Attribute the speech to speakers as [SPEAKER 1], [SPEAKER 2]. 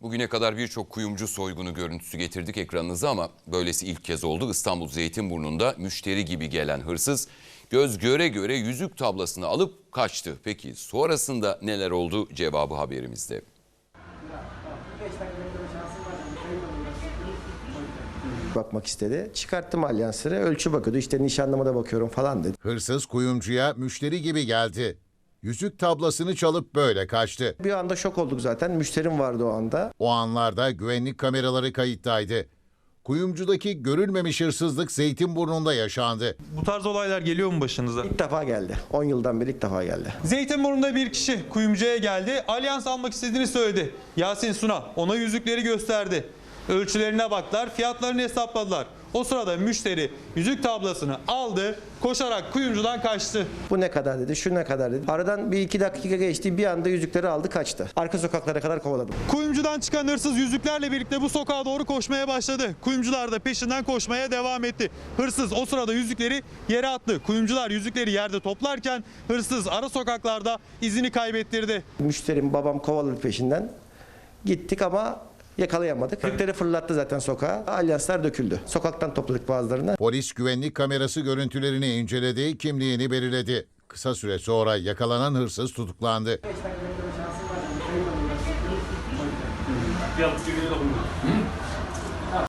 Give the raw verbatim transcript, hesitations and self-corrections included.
[SPEAKER 1] Bugüne kadar birçok kuyumcu soygunu görüntüsü getirdik ekranınıza ama böylesi ilk kez oldu. İstanbul Zeytinburnu'nda müşteri gibi gelen hırsız göz göre göre yüzük tablasını alıp kaçtı. Peki sonrasında neler oldu? Cevabı haberimizde.
[SPEAKER 2] Bakmak istedi. Çıkarttım alyansları. Ölçü bakıyordu. İşte nişanlıma da bakıyorum falan dedi.
[SPEAKER 3] Hırsız kuyumcuya müşteri gibi geldi. Yüzük tablasını çalıp böyle kaçtı.
[SPEAKER 2] Bir anda şok olduk zaten. Müşterim vardı o anda.
[SPEAKER 3] O anlarda güvenlik kameraları kayıttaydı. Kuyumcudaki görülmemiş hırsızlık Zeytinburnu'nda yaşandı.
[SPEAKER 4] Bu tarz olaylar geliyor mu başınıza?
[SPEAKER 2] İlk defa geldi. on yıldan beri ilk defa geldi.
[SPEAKER 4] Zeytinburnu'nda bir kişi kuyumcuya geldi. Alyans almak istediğini söyledi. Yasin Suna ona yüzükleri gösterdi. Ölçülerine baktılar, fiyatlarını hesapladılar. O sırada müşteri yüzük tablasını aldı, koşarak kuyumcudan kaçtı.
[SPEAKER 2] Bu ne kadar dedi, şu ne kadar dedi. Aradan bir iki dakika geçti. Bir anda yüzükleri aldı kaçtı. Arka sokaklara kadar kovaladım.
[SPEAKER 4] Kuyumcudan çıkan hırsız yüzüklerle birlikte bu sokağa doğru koşmaya başladı. Kuyumcular da peşinden koşmaya devam etti. Hırsız o sırada yüzükleri yere attı. Kuyumcular yüzükleri yerde toplarken hırsız ara sokaklarda izini kaybettirdi.
[SPEAKER 2] Müşterim, babam kovaladı peşinden. Gittik ama yakalayamadık. Yüzükleri fırlattı zaten sokağa. Alyanslar döküldü. Sokaktan topladık bazılarını.
[SPEAKER 3] Polis güvenlik kamerası görüntülerini inceledi, kimliğini belirledi. Kısa süre sonra yakalanan hırsız tutuklandı.
[SPEAKER 5] Bir